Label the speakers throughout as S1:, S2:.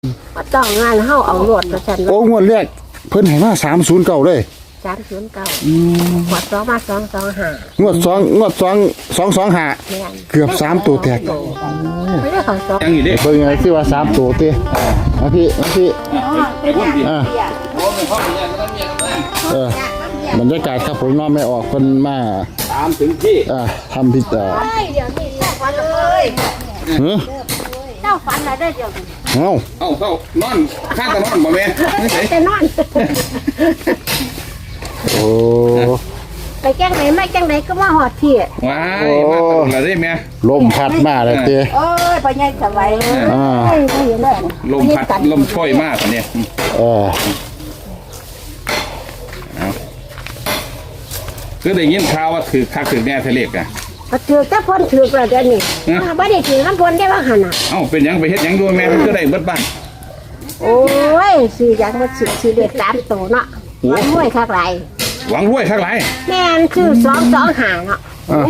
S1: ต้องงานเฮาเอารถมาฉัน
S2: โอ้งวดแรกเพิ่นให้มา309เลย
S1: 309ขวด2มา225
S2: งวด225เกือบ3ตัวแตก
S1: ไม่ได้เขา2
S3: ยังอีกดิ
S2: เบิ่งไงสิว่า3ตัวติมาพี่บรรยากาศครับผมนอนไม่ออกเพิ่นมา
S3: ตามถึงที่
S2: ทำพิธี
S1: เดี๋ยวนี้ฝันเลยเจ้าฝันอะไรได้เดี๋ยว
S3: เข้านอนข้างตะนอนบ่แม่ไม่ใช่
S1: แต่นอน
S2: โอ้
S1: ไปแกล้งไหนไม่แกล้งไหนก็มาหอดพี่
S3: ว้ายมาตลอดเลยแม่
S2: ลมพัดมาเลยเต้
S1: โอ้ยไปยังสบายไม่เห็นเลย
S3: ลมพัดลมช่วยมากตอนนี้คือได้ยินข่าวว่าถือคักถือแน่ทะเลกอ่ะ
S1: ถือแต่พ้นถือประเดี๋ยวนี้ไม่ได้ถือน้ำพ้นได้ว่าขนาด
S3: เอ้าเป็นยังไปเฮ็ดยังด้วยแม่ก็ได้เบิดบ้าน
S1: โอ้ยซื้ออย่างมาซื้อเด็ด3ตัวเนาะมันรวยคักไร
S3: หวังรวยข้างไร
S1: แม่นซื้อ225เนาะ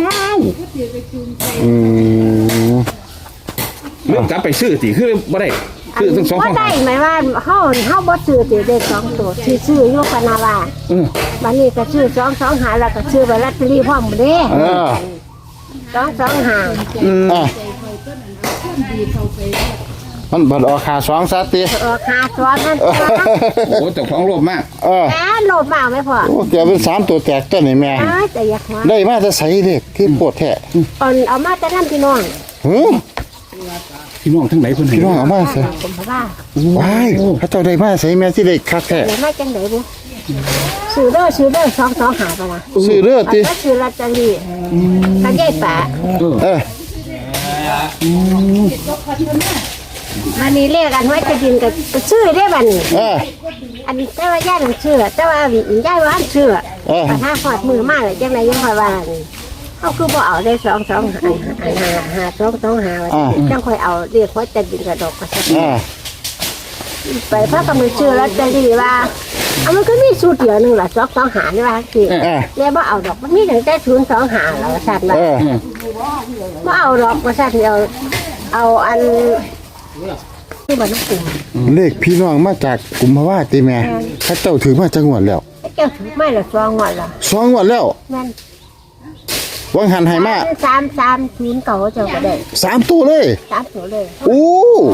S3: เรื่องกลับไปซื้อสิคือบ่ได้ซื้อทั้งสอง
S1: ว่า
S3: ข้าง
S1: ได้หมายว่าเฮาบ่ซื้อติได้2ตัวซื้ออยู่พนาว่าบัดนี้ก็ซื้อ225แล้วก็ซื้อไปลอตเตอรี่พร้อมเด้225
S2: มันบัดออกขา2ซะติ
S1: ค่าซ้อนนั่น
S3: โอ้เจ้าของโลภมาก
S1: แม่โลภมากไหมพ่อ
S2: โอ้เกือบเป็น3ตัวแตกตัวนี่แม่
S1: แต่อยากว่า
S2: ได้มาจะใส่เด็กคือปวดแท้
S1: เอามาแต่นั่นพี่น้อง
S3: พี่น้องทั้งไหนคนไหน
S2: พี่น้องเอามาใส่
S1: ผมว่า
S2: ว้ายเขาเจ้าได้มาใส่แม่สิได้คักแท้
S1: เดี๋ยวมาจังไดบุซื้อเด้อ225ไปนะ
S2: ซื้อเด้อติ
S1: ก็ซื้อลอตเตอรี่ตาใหญ่ป่ามันนี่เลขอันไว้จะดินกับชื่อได้บัดนี้อันนี้แต่ว่าย่าต้องชื่อแต่ว่าย่าว่าชื่อปัญหาหอดมือมากเลยจังไรยังคอยว่าเขาคือบ่เอาได้225จังคอยเอาเรียกว่าจะดินกระดกกระสับไปพระกำมือชื่อลอตเตอรี่ว่าเอามันก็มีสูตรเดียวนึงล่ะ225นี่ว่าสิแล้วบ่เอาดอกมันมีตั้งแต่025แล้วสั่นว่าบ่เอาดอกว่าสั่นเอาอันที่บ้านน้องปู่
S2: เลขพี่น้องมาจากกุมภาวะติแม่เขาเจ้าถือมาจังหวัดแล้ว
S1: เจ้าถือไม่ละ2งวดละ
S2: 2งวดแล้ว
S1: แม่น
S2: วังหันให้มา
S1: 330เก่าเจ้าก็ได้
S2: 3ตัวเลย
S1: 3ตัวเลย
S2: โอ้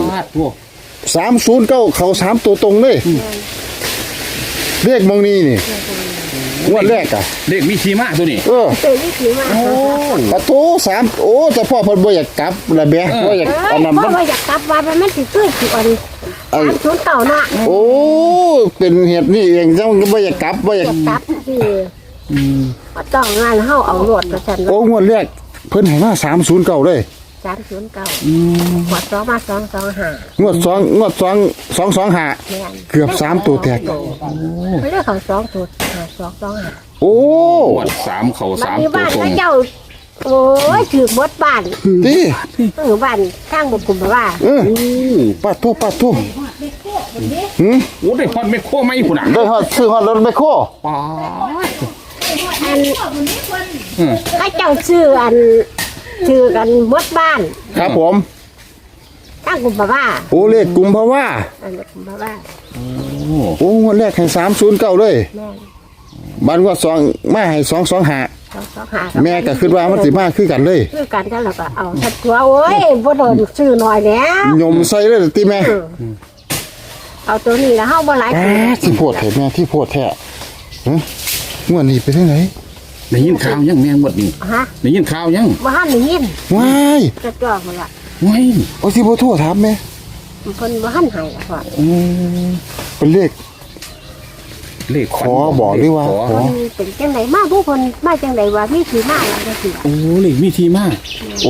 S2: 309เขา3ตัวตรงเลยเลขมองนี้นี่งวดแรกอ่ะ
S3: เลขมีทีมาตัวนี้
S1: เตยนี่ถือมา
S2: ปะโถ3โอ้แต่พ่อเพิ่นบ่อยากกลับละแบะบ่อยากอันนั้น
S1: เพราะว่าอยากกลับวันมันสิตื้อสิอ่อน309เนาะ
S2: โอ้เป็นเหตุนี่เองจังบ่อยากกลับบ่อยาก
S1: กลับสิต้องงานเฮาเอารถมาฉัน
S2: โอ้งวดแรกเพิ่นให้มา309เลย
S1: 309ขวด2มา225
S2: งวด225เกือบ3ตัวแตก
S1: ไม่ได้เขา2ตัว225
S2: โอ้
S3: วัด3เขา
S1: บ้าน
S3: 3
S1: นี้
S3: ตัว
S1: บ้าน
S3: ตรง
S1: เจ้าโอ้ยถือหมดบ้าน
S2: ติ
S1: บ้านข้างบุกุมว่า
S2: ปะโถ
S3: โอ้ได้ฮอดไม่โคไม่พุ่นน่ะ
S2: ได้ฮอดซื้อฮอดรถไมโคร
S3: ป๊า
S1: อันให้เจ้าชื่ออันชื่อกันหมดบ้าน
S2: ครับผม
S1: ข้างกุมว่า
S2: โอ้เลขกุมภาวะ
S1: อันกุมว่า
S2: โอ้งวดแรกให้309เลยบ้านงวด2มาให้225แม่ก็คิดว่ามันสิมาคือกันเลย
S1: คือกันก็แล้วก็เอาทัดตัวโอ้ยบ่โดนชื่อหน่อยแล้ว
S2: ยมใส่เลยติแม่
S1: เอาตัวนี้แล้วเฮาบ่หลาย
S2: สิโพดแท้แม่ที่โพดแท้งวดนี้ไปทางไหน
S3: ได้ยินข่าวยังแม่งหมดนี่
S1: ฮะ
S3: ได้ยินข่าวยัง
S1: บ่ทันได้ยิน
S2: ว้าย
S1: จะจ่อหมดละ
S3: ว้าย
S2: โอ้สิบ่โทรถามแม่
S1: เพิ่นบ่ทันให้ละพ่อ
S2: เป็นเลข
S3: เลข
S2: ขอบอกหรือว่าขอ
S1: มันเป็นจังไดมาผู้เพิ่นมาจังไดว่ามีที่มาแล้วจังซี่
S3: โอ้เลขมีทีมา
S2: โอ้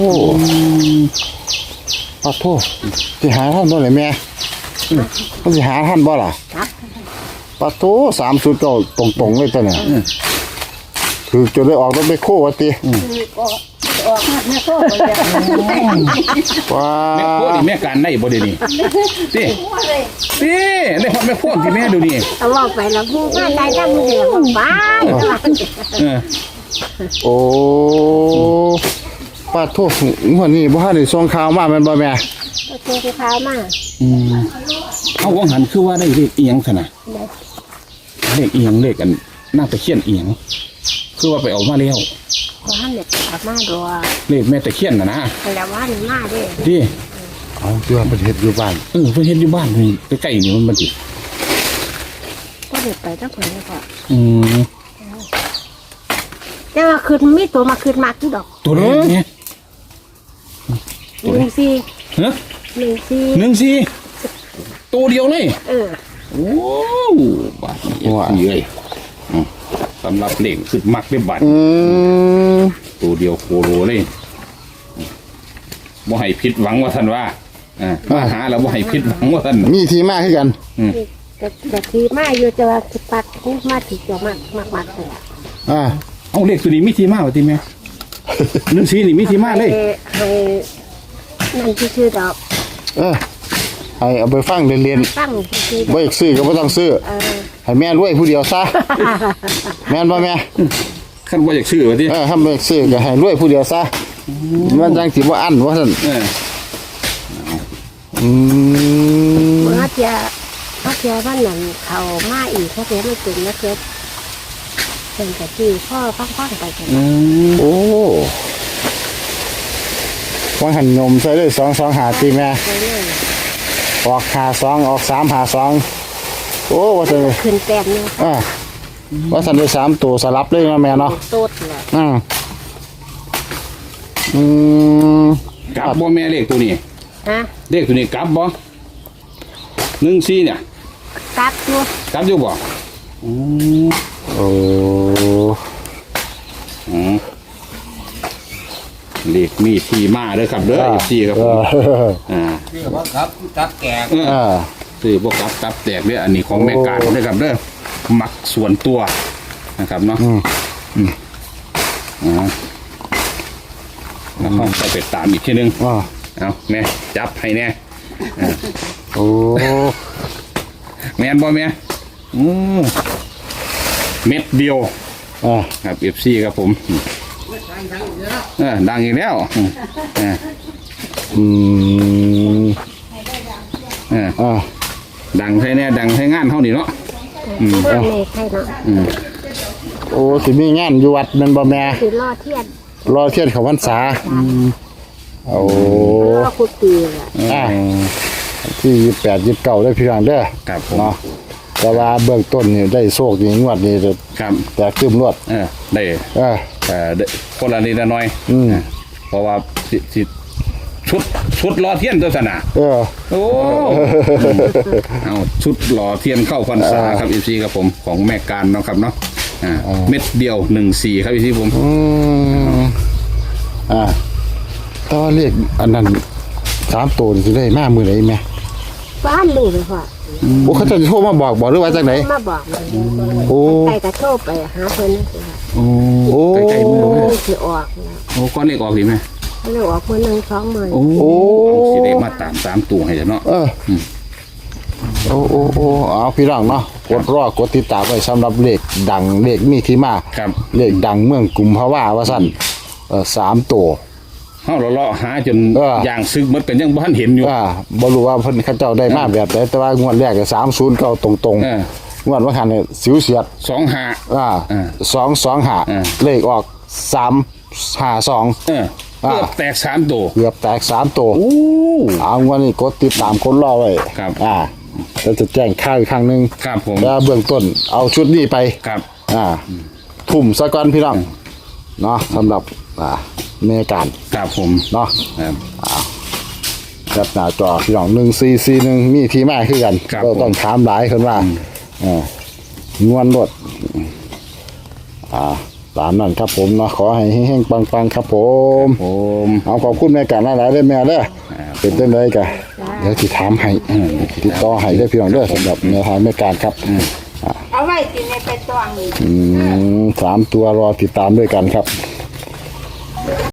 S2: ขอโทษสิหาท่านบ่ล่ะแม่มันสิหาท่านบ่ล่ะ
S1: ครับ
S2: ปะโถ309ตรงๆเลยตัวเนี่ยคือจะได้ออกรถไปโคว่าติ
S1: ออกมาแม่โตบ่ได้
S2: ว้า
S3: แม่โคนี่แม่การได้บ่เดี๋ยวนี้ติได้ฮอดแม่โคที่แม่ดูนี่
S1: เอาออกไปแล้วผู้มาได้จังมือเดียวบ้าน
S2: โอ้ปะโถงวดนี้บ่ทันได้ส่งข่าวมาแม่นบ่แม่
S1: ตัวที่พามา
S3: เอาว่างหันคือว่าได้เลขเอียงขนาดเลขเอียงเลขอันน่าจะเขียนเอียงคือว่าไปเอามาแล้ว
S1: ว่าหันเด็กกลับมาดัว
S3: เลขแม่ตะเคียนนะ
S1: แต่ว่าหนูมาเด้
S3: ดิ
S2: เอาเพื่อประเทศอยู่บ้าน
S3: เพิ่นเฮ็ดอยู่บ้านนี่ใกล้ๆนี่มันสิ
S1: ก็เด็กไปตั้งคนนี้ก็
S3: อืม
S1: แต่ว่าคืนมีตัวมาคืนมากที่ดอก
S3: ตัวเลขเนี่ย
S1: 14
S3: ฮะ
S1: 14
S3: ตัวเดียวเลย
S1: เออ
S3: โอ้บาทนี่เลยสำหรับเลขสุดมักได้บาท ตัวเดียวโคโลเลยบ่ให้ผิดหวังว่าท่านว่ามาหาแล้วบ่ให้ผิดหวังว่าท่าน
S2: มีที่มาคือกัน
S1: แต่ทีมาอยู่จะว่าสิปัดมาถึงจะมากเลย
S3: เอาเลขตัวนี้มีที่มาว่าที่แม่นึกสีนี่มีที่มาเลย
S1: ให้นั่นชื่อดอก
S2: ให้เอาไปฟังเรียน
S1: ตั้งชื่อ
S2: ๆบ่อยากซื้อก็บ่ต้องซื้อให้แม่รวยผู้เดียวซะแม่นบ่แม่
S3: ขั้นว่าอยากชื่อว่าที่
S2: ถ้าบ่อยากซื้อก็ให้รวยผู้เดียวซะมันจังสิบ่อั้นว่าซั่น
S1: เมื่อเทียบ้านนั้นเขามาอีกเขาเทียไม่ถึงนะเทียเป็นแต่ที่พ่อฟังไปกัน
S2: โอ้ว่าหันนมใส่เลย2 2 5ตีแม่
S1: ไปเลย
S2: ออก52ออก3 52โอ้ว่าซั่น
S1: ขึ้นแต้มนึง
S2: ว่าซั่นได้3ตัวสลับเลยเนาะแม่เนาะ
S1: โต๊ดเลย
S3: กลับบ่แม่เลขตัวนี้
S1: ฮะ
S3: เลขตัวนี้กลับบ่14เนี่ย
S1: ตัดอยู่
S3: กลับอยู่บ่
S2: โอ้
S3: เลขมีที่มาเด้อครับเด้อ14ครับผม
S4: คือว่าครับตับแกง
S3: ซื้อบ่กลับตับแตกเด้ออันนี้ของแม่การเด้อครับเด้อมักส่วนตัวนะครับเนาะแล้วห้องไปตามอีกทีนึงเอาแม่จับให้แน่
S2: โอ้
S3: แม่นบ่แม่เม็ดเดียวครับ FC ครับผมดังอีกแล้วดังใช่แน่ดังใช้งานเท่านี้เนาะ
S1: มาในใครเนาะ
S2: โอ้สิมีงานอยู่วัดแม่นบ่แม่
S1: คือรอเทียน
S2: รอเทียนเขาพรรษาโอ้
S1: รอคุตีแหละ
S2: ที่28 29ได้พี่น้องเด้อ
S3: ครับผม
S2: เนาะแต่ว่าเบื้องต้นนี่ได้โชคนี่งวดนี้
S3: ครับ
S2: แต่คืมรวด
S3: ได้
S2: ได้
S3: คนละนิดละน้อยเพราะว่าสิชุดรอเทียนตัวสนะโอ้เอาชุดรอเทียนเข้าพรรษาครับอีซีครับผมของแม่การเนาะครับเนาะเม็ดเดียว14ครับอีซีผม
S2: ต่อเลขอันนั้น3ตัวนี่สิได้มามื้อไหนแม่
S1: บ้านรู้เลยพ่อ
S2: โอ้เขาจะโทรมาบอกหรือว่าจังได๋
S1: มาบอกมัน
S2: โอ้
S1: ใครกระโชกไปหาเพิ่นนั่นสิค่ะ
S3: โอ้ใกล้ๆมือแม่
S1: สิออกนะ
S3: โอ้ก้อนเลขออกดีไหม
S1: เลยออกมื้อนึง2มื้อ
S3: โอ้สิได้มาตาม3ตัวให้เนาะ
S2: โอ้เอาพี่น้องเนาะกดรอกดติดตามไว้สำหรับเลขดังเลขมีที่มา
S3: ครับ
S2: เลขดังเมืองกุมภาวะว่าซั่น3ตัว
S3: เฮาเลาะหาจนอย่างซึกหมดเป็นยังบ่ทันเห็นอยู่
S2: บ่รู้ว่าเพิ่นเขาเจ้าได้มาแบบใดแต่ว่างวดแรกก็30เข้าตรงๆงวดว่าคั่นเนี่ยสิวเสียด
S3: 25
S2: 225เลขออก352
S3: เกือบแตก3ตัว
S2: เกือบแตก3ตัวเอางวดนี้กดติดตามคนรอไว้
S3: ครับ
S2: แล้วจะแจ้งข่าวอีกครั้งนึง
S3: ครับผม
S2: แล้วเบื้องต้นเอาชุดนี้ไป
S3: ครับ
S2: ทุ่มซะก่อนพี่น้องเนาะสำหรับเมการ
S3: ครับผม
S2: เนาะ
S3: ครับ
S2: ครับหน้าจอพี่น้อง1441มีที่มาคือกัน
S3: ครับ
S2: ก็ต้องถามหลายคนว่างวนรถตามนั้นครับผมเนาะขอให้เฮงๆปังๆครับผม
S3: ผม
S2: เอาขอบคุณแม่การหลายๆเด้อแม่เด้อเป็นจังไดกะเดี๋ยวสิถามให้ติดต่อให้ได้อพี่น้องเด้อสำหรับแนวทางแม่การครับ
S1: เอาไว้กินในไปตวง
S2: 3ตัวรอติดตามด้วยกันครับ